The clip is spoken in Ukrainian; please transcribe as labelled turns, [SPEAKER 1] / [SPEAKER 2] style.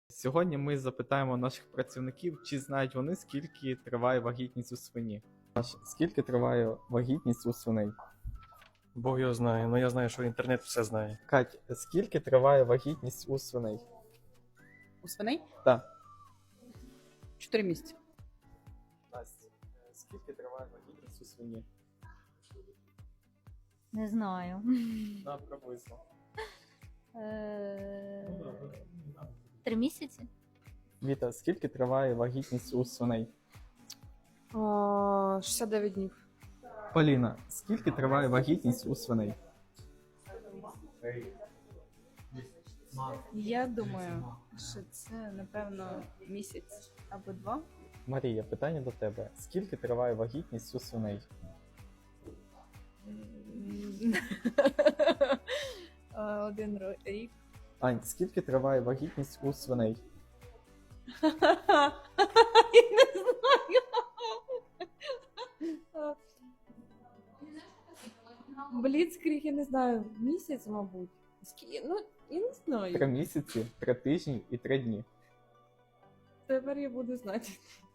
[SPEAKER 1] Сьогодні ми запитаємо наших працівників, чи знають вони, скільки триває вагітність у свині. Скільки триває вагітність у свиней?
[SPEAKER 2] Бог його знає, але я знаю, що інтернет все знає.
[SPEAKER 1] Кать, скільки триває вагітність у свиней?
[SPEAKER 3] У свиней?
[SPEAKER 1] Так.
[SPEAKER 3] 4 місяці.
[SPEAKER 1] Настя, скільки триває вагітність у свині?
[SPEAKER 4] Не знаю.
[SPEAKER 1] На, приблизно.
[SPEAKER 4] 3 місяці?
[SPEAKER 1] Віта, скільки триває вагітність у свиней?
[SPEAKER 5] 69 днів.
[SPEAKER 1] Поліна, скільки триває вагітність у свиней?
[SPEAKER 5] Я думаю, що це, напевно, місяць або 2.
[SPEAKER 1] Марія, питання до тебе. Скільки триває вагітність у свиней?
[SPEAKER 5] Один рік.
[SPEAKER 1] Ань, скільки триває вагітність у свиней?
[SPEAKER 5] Я не знаю. Бліцкріг, я не знаю, місяць, мабуть. Ну, я не
[SPEAKER 1] 3
[SPEAKER 5] знаю.
[SPEAKER 1] місяці, 3 тижні і 3 дні.
[SPEAKER 5] Тепер я буду знати.